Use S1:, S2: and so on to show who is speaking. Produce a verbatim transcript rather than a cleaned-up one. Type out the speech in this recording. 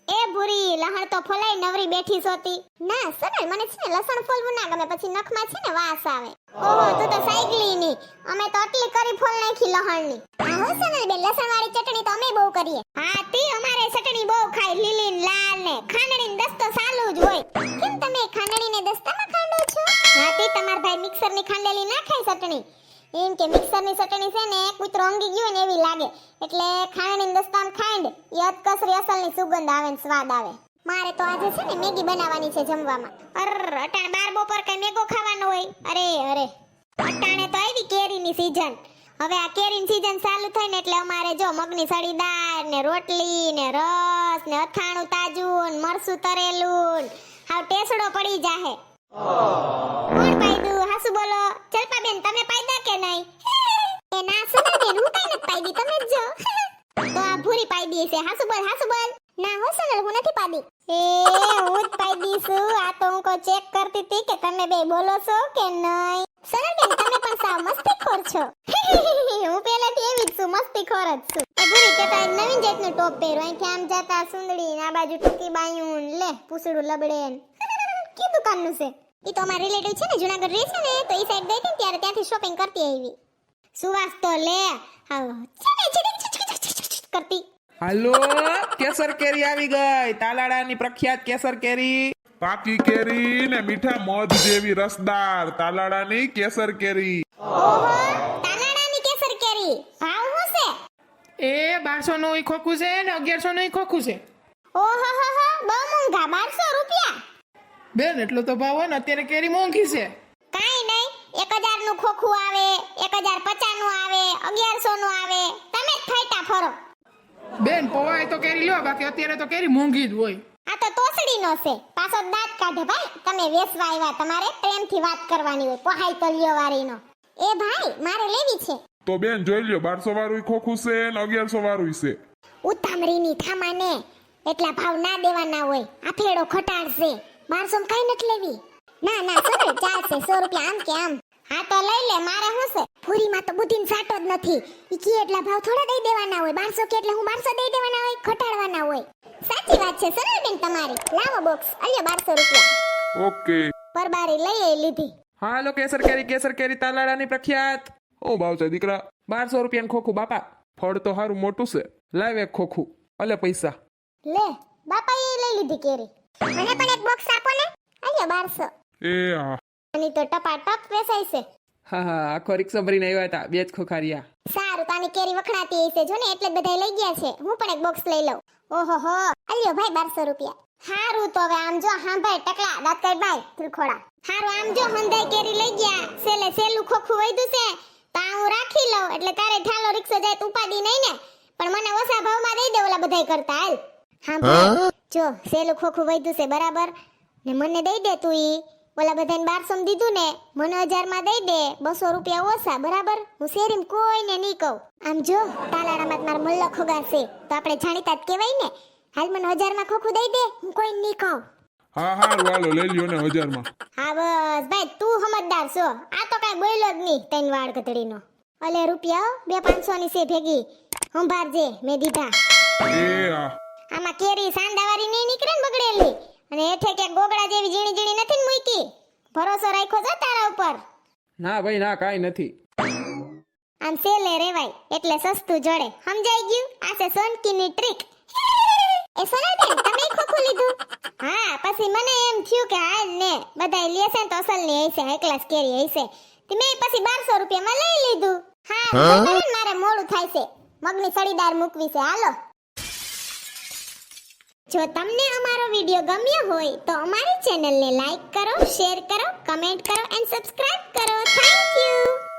S1: એ ભૂરી લહણ તો ફોલાઈ નવરી બેઠી સોતી. ના સનલ મને છે ને લસણ ફોલવું ના ગમે, પછી નખમાં છે ને વાસ આવે. ઓહો તું તો સાયકલી ની, અમે તો આટલી કરી ફોલ નાખી લહણની. હા હો સનલ બેન, લસણ વાળી ચટણી તો અમે બહુ કરીએ. હા તી અમારે ચટણી બહુ ખાય, લીલી ને લાલ ને ખાંડણી ને દસ્તો ચાલુ જ હોય. કેમ તમે ખાંડણી ને દસ્તામાં ખાંડો છો? હા તી તમાર ભાઈ મિક્સર ની ખાંડેલી ના ખાય ચટણી. એમ કે મિક્સર ની ચટણી છે ને કૂતરો ઊંઘી ગયો ને એવી લાગે, એટલે ખાંડણી ને દસ્તામ ખાંડ એ અતકસરી અસલ ની સુગંધ આવે ને સ્વાદ આવે. મારે તો આજે છે ને મેગી બનાવવાની છે જમવામાં. અર અટાણ બાર બપોર કઈ મેગો ખાવાનો હોય? અરે અરે અટાણે તો આવી કેરીની સીઝન. હવે આ કેરીની સીઝન ચાલુ થાય ને એટલે અમારે જો મગની સળી દાળ ને રોટલી ને રસ ને અથાણું તાજું ને મરસું તરેલું હાવ ટેસડો પડી જાહે. કોણ પાયદું? હાસુ બોલો. ચલપા બેન તમે પાયદા કે નહીં? એ ના સુના બેન હું કઈ નથી પાયદી, તમે જ જો. તો આ ભૂરી પાયદી છે. હાસુ બોલ હાસુ બોલ. ના હો સનલ હું નથી પાડી. એ હું જ પાયદી છું. આ તો હું કો ચેક કરતી હતી કે તમે બે બોલો છો કે નહીં. સનલ બેન તમે પણ સાવ મસ્તીખોર છો. હું પહેલાથી એવી જ છું, મસ્તીખોર જ છું. એ ભૂરી કે તારી નવીન જાતનું ટોપ પહેરો, અહીંથી આમ જાતા સુંદડી આ બાજુ ટૂંકી બાયું લે પૂસડું લબડે. કી દુકાનનું છે? ઈ તો અમાર રિલેટિવ છે ને જુનાગઢ રહે છે ને, તો ઈ સાઈડ ગઈ હતી ત્યારે ત્યાંથી શોપિંગ કરતી આવી. સુવાસ તો લે હા કરતી.
S2: હાલો, કેસર કેરી આવી ગઈ. તાલાડાની પ્રખ્યાત કેસર કેરી.
S3: પાકી કેરી ને મીઠા મધ જેવી રસદાર તાલાડાની કેસર કેરી.
S1: ઓહો તાનાડાની કેસર કેરી ભાવ શું છે?
S4: એ બારસો નું ઈ ખોખું છે ને અગિયારસો નું ઈ ખોખું છે.
S1: ઓહો હો હો બહુ મોંઘા, બારસો રૂપિયા.
S4: બેન એટલો તો ભાવ હોય ને, અત્યારે કેરી મોંઘી છે.
S1: કાઈ નહીં, એક હજાર નું ખોખું આવે, એક હજાર પચાસ નું આવે, અગિયારસો નું આવે. તમે જ ફાયટા ફરો.
S4: બેન પવાય તો કેરી લ્યો, બાકી અત્યારે તો કેરી મોંઘી જ હોય.
S1: આ તો તોસડીનો છે, પાછો દાંત કાઢે ભાઈ. તમે વેસવા આવ્યા, તમારે પ્રેમથી વાત કરવાની હોય, પહાઈ તલિયો વાળીનો. એ ભાઈ મારે લેવી છે.
S3: તો બેન જોઈ લ્યો, બારસો વાળું ખોખું છે ને અગિયારસો વાળું છે.
S1: ઉતામળીની થામાને એટલા ભાવ ના દેવાના હોય. આ ફેડો ખટાડશે. બારસો માં કઈ નથી લેવી. ના ના સનલ ચાલશે, સો રૂપિયા આમ કે આમ. હા તો લઈ લે, મારે શું છે? પૂરીમાં તો બુદ્ધિન સાટો જ નથી. ઈ કે એટલા ભાવ થોડા દઈ દેવાના હોય. બારસો કે એટલે હું બારસો દઈ દેવાના હોય, ખટાડવાના હોય. સાચી વાત છે સનલ બેન તમારી. લાવો બોક્સ, અલ્યો બારસો રૂપિયા.
S3: ઓકે.
S1: પરબારી લઈ એ લીધી.
S2: હાલો, કેસર કેરી કેસર કેરી તાલાડાની પ્રખ્યાત.
S3: ઓ ભાવ છે દીકરા?
S2: બારસો રૂપિયાનું ખોખું બાપા.
S3: ફળ તો હારું મોટું છે.
S2: લાવ એક ખોખું, અલે પૈસા.
S1: લે બાપા એ લઈ લીધી કેરી. મને પણ એક બોક્સ આપો ને. અલ્યો બારસો.
S3: એ હા.
S1: આની તો ટપાટપ વેચાય છે.
S2: હા હા, આખો રિક્ષા ભરીને આવ્યા હતા, બે જ ખોખા રહ્યા.
S1: સારું, તાની કેરી વખણાતી હશે જો ને, એટલે જ બધા લઈ ગયા છે. હું પણ એક બોક્સ લઈ લઉં. ઓહો હો, અલ્યો ભાઈ બારસો રૂપિયા. હારું તો હવે આમ જો, હા ભાઈ ટકલા દાંત કાઢ ભાઈ ત્રિખોડા. હારું આમ જો, હંધાઈ કેરી લઈ ગયા. સેલે સેલું ખોખું વૈધું છે તો આ હું રાખી લઉં, એટલે તારે ઠાલો રિક્ષા જાય તો ઉપાડી નહીં ને. પણ મને ઓછા ભાવમાં દઈ દે ઓલા બધાય કરતા. હાલ હા ભાઈ જો, સેલું ખોખું વૈધું છે બરાબર ને, મને દઈ દે તું. ઈ ઓલા બધાને બારસો માં દીધું ને, મને હજાર માં દઈ દે. બસો રૂપિયા ઓછા બરાબર. હું શેરીમાં કોઈને નહીં કહું. આમ જો તાલાડામાં માર મલ્લો ખોગા છે તો આપણે જાણીતા જ કહેવાય ને. હાલ મને હજાર માં ખોખું દઈ દે, હું કોઈને નહીં કહું.
S3: હા હા વાલો લઈ લ્યો ને હજાર માં.
S1: હા બસ ભાઈ તું સમજદાર છો. આ તો કઈ બોલ્યો જ નહીં તૈન વાળ કતડીનો. અલે રૂપિયા બે પાંચસો ની છે ભેગી. સંભાળજે, મેં દીધા.
S3: એ હા.
S1: આમાં કેરી સાંડાવાળી નહીં નીકળે ને બગડેલી, અને હેઠે કે ગોગડા જેવી ઝીણી ઝીણી નથી ને મૂકી. ભરોસો રાખ્યો છે તારા ઉપર?
S2: ના ભાઈ ના, કાઈ નથી.
S1: આમ સેલે રેવાય એટલે સસ્તું જડે, સમજાઈ ગયું? આ છે સોનકીની ટ્રીક. એ સોનાબેન તમે ખોખું લીધું? હા, પછી મને એમ થયું કે હાલ ને બધાય લેશે ને તો અસલની હશે, હાઈ ક્લાસ કેરી હશે. તે મેં પછી બારસો રૂપિયામાં લઈ લીધું. હા મારે મોડું થાય છે, મગની સળીદાર મૂકવી છે. હાલો, જો તમને અમારો વિડિયો ગમ્યો હોય તો અમારી ચેનલને લાઈક કરો, શેર કરો, કમેન્ટ કરો એન્ડ સબસ્ક્રાઇબ કરો. Thank you.